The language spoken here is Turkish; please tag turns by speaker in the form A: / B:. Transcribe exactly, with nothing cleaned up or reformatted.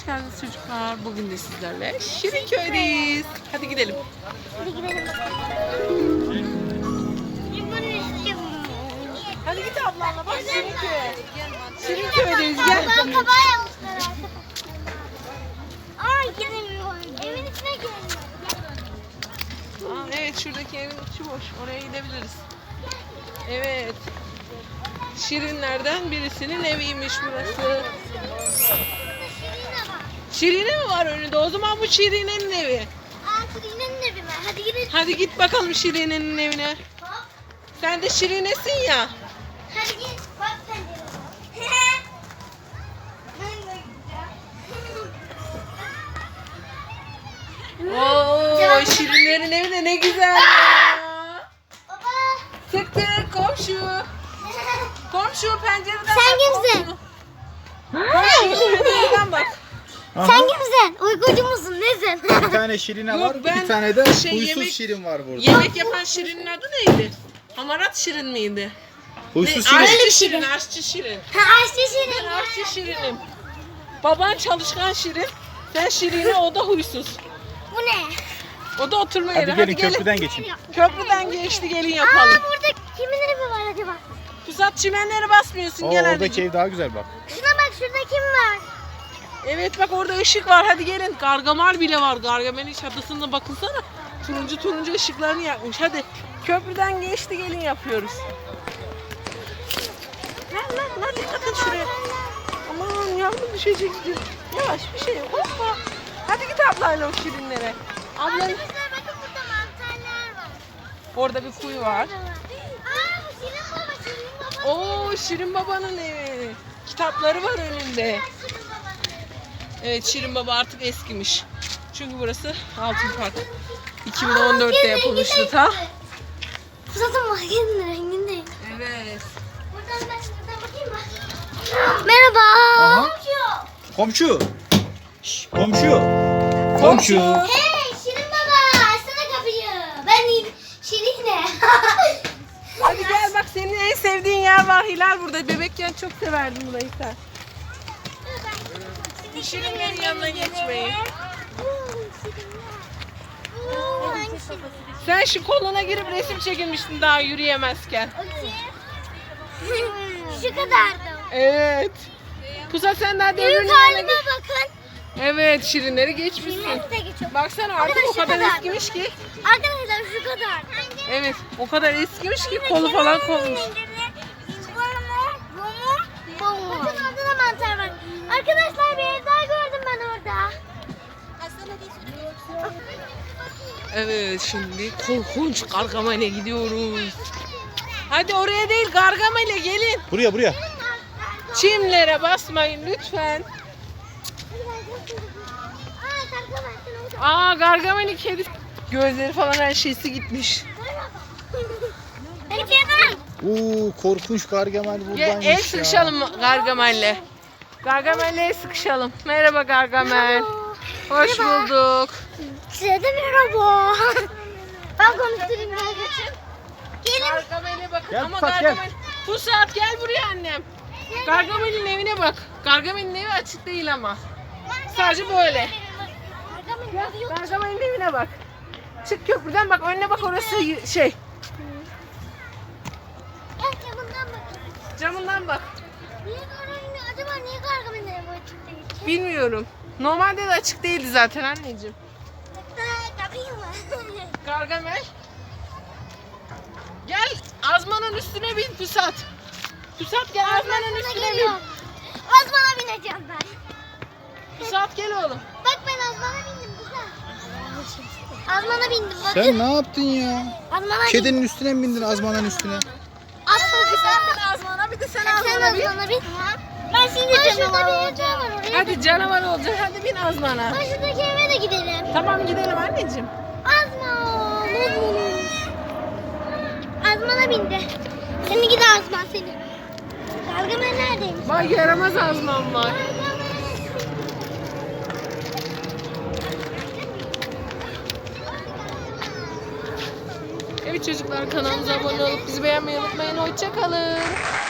A: geldiniz çocuklar. Bugün de sizlerle Şirinköy'deyiz. Hadi gidelim.
B: Hadi gidelim.
A: Hadi git ablanla bak Şirinköy. Şirinköy'deyiz gel.
B: Ablam kabağı yapmışlar. Ay gidemiyorum. Evin içine giremiyorum.
A: Aa, evet şuradaki evin içi boş. Oraya gidebiliriz. Evet. Şirinlerden birisinin eviymiş burası. Şirine mi var önünde? O zaman bu Şirine'nin evi.
B: Aa Şirine'nin evi mi? Hadi gidelim.
A: Hadi git bakalım Şirine'nin evine. Sen de Şirine'sin ya.
B: Hadi git. Bak sen de.
A: Oo, Şirinlerin evi de ne güzel ya.
B: Baba.
A: Tık tık komşu. Komşu pencereden
B: Sen
A: bak
B: kimsin?
A: komşu. Komşu pencereden bak.
B: Sen kimsin? Uykucu musun? Nesin?
C: Bir tane şirine
A: Yok,
C: var,
A: ben
C: bir tane de
A: şey,
C: huysuz
A: yemek-
C: şirin var burada.
A: Yemek yapan Şirin'in adı neydi? Hamarat Şirin miydi?
C: Huysuz
A: Ne?
C: şirin.
A: Aşçı Şirin, aşçı Şirin.
B: Ha Aşçı Şirin.
A: Ben aşçı Şirin'im. Baban çalışkan Şirin. Sen Şirin'e, o da huysuz.
B: Bu ne?
A: O da oturma
C: Hadi
A: yeri.
C: gelin
A: Hadi gelin.
C: köprüden geçin.
A: Köprüden geçti, gelin
B: Aa
A: yapalım.
B: burada kimin evi var acaba?
A: Pusat çimenlere basmıyorsun,
C: Oo,
A: gel hadi.
C: oradaki ev daha güzel bak.
B: Şuna bak şurada kim var?
A: Evet bak orada ışık var, hadi gelin. Gargamel bile var. Gargamel'in çatısında bakınsana. Turuncu turuncu ışıklarını yakmış. Hadi köprüden geçti, gelin yapıyoruz. Lan lan lan dikkat et şuraya. Aman yavrum düşeceksin. Yavaş bir şey yok. Hoppa. Hadi git ablayla o Şirinlere. Ablan
B: Arkadaşlar bakın burada mantarlar var.
A: orada bir kuyu var.
B: Aa bu Şirin baba Şirin baba.
A: Oo Şirin Baba'nın evi. Kitapları var önünde.
B: Şirin baba.
A: Evet Şirin Baba artık eskimiş. Çünkü burası Altın Park. iki bin on dörtte yapılmıştı ta.
B: Fırat'ın makinenin rengindeyim.
A: Evet.
B: Buradan ben şuradan bakayım mı? Merhaba.
C: Aha. Komşu. Şş, komşu. Komşu.
B: Hey Şirin baba açsana kapıyı. Ben Şirin'e.
A: Hadi gel bak, senin en sevdiğin yer var. Hilal burada. Bebekken çok severdin burayı sen. Şirinlerin yanına geçmeyi. Sen şu koluna girip resim çekilmiştin daha yürüyemezken.
B: Şu kadardı.
A: Evet. Pusat sen daha
B: Büyük
A: devrinin yanına
B: halime
A: geç.
B: bakın.
A: Evet Şirinleri geçmişsin.
B: Şirinleri de geçiyor.
A: Baksana artık o
B: Arkadaşlar,
A: kadar
B: şu kadar.
A: eskimiş ki.
B: Arkadaşlar şu kadar.
A: Evet o kadar eskimiş ki kolu falan konmuş.
B: Bakın orada da mantar var. Arkadaşlar bir ev daha gördüm ben orada.
A: Evet şimdi korkunç Gargamel'e gidiyoruz. Hadi oraya değil, Gargamel'e gelin.
C: Buraya buraya.
A: Çimlere basmayın lütfen. Aa Gargamel'in kedi gözleri falan her şeysi gitmiş.
C: Oo, korkunç Gargamel
A: Gel
C: buradaymış
A: el
C: ya.
A: sıkışalım Gargamel'le. Gargamel'le el sıkışalım. Merhaba Gargamel. Hoş bulduk.
B: Size de merhaba. Ben konuşturayım arkadaşım. Gelin.
A: Gargamel'e bak.
C: Gel
A: Ama
C: Pusat,
A: Gargamel. Pusat gel buraya annem. Gargamel'in evine bak. Gargamel'in evi açık değil ama. Sadece böyle. Gargamel'in evine bak. Çık köprüden bak, önüne bak, orası y- şey.
B: Gel camından bakın.
A: Camından bak.
B: Niye Gargamel'in acaba niye Gargamel'in evi açık değil?
A: Bilmiyorum. Normalde de açık değildi zaten anneciğim.
B: Kapıyı mı?
A: Gargamel. Gel Azman'ın üstüne bin Pusat. Pusat gel Azman'ın üstüne bin.
B: Azmana bineceğim ben.
A: Pusat gel oğlum.
B: Bak ben Azmana bindim güzel. Azmana bindim bakın.
C: Sen ne yaptın ya?
B: Azmana bindim.
C: Kedinin üstüne mi bindin azmanın üstüne?
B: Azmana
A: Bir sen bin Azman'a, bir de sen
B: Sen
A: Azman'a bin.
B: Azmana bin. Ben şimdi canavar olacağım.
A: Hadi canavar olacak, hadi bin Azman'a.
B: Ben şuradaki eve de gidelim.
A: Tamam gidelim anneciğim.
B: Azman. Azmana bindi. Seni gidi Azman seni. Gargamel neredeymiş?
A: Bak yaramaz Azman var. Evet çocuklar, kanalımıza abone olup bizi beğenmeyi unutmayın. Hoşça kalın.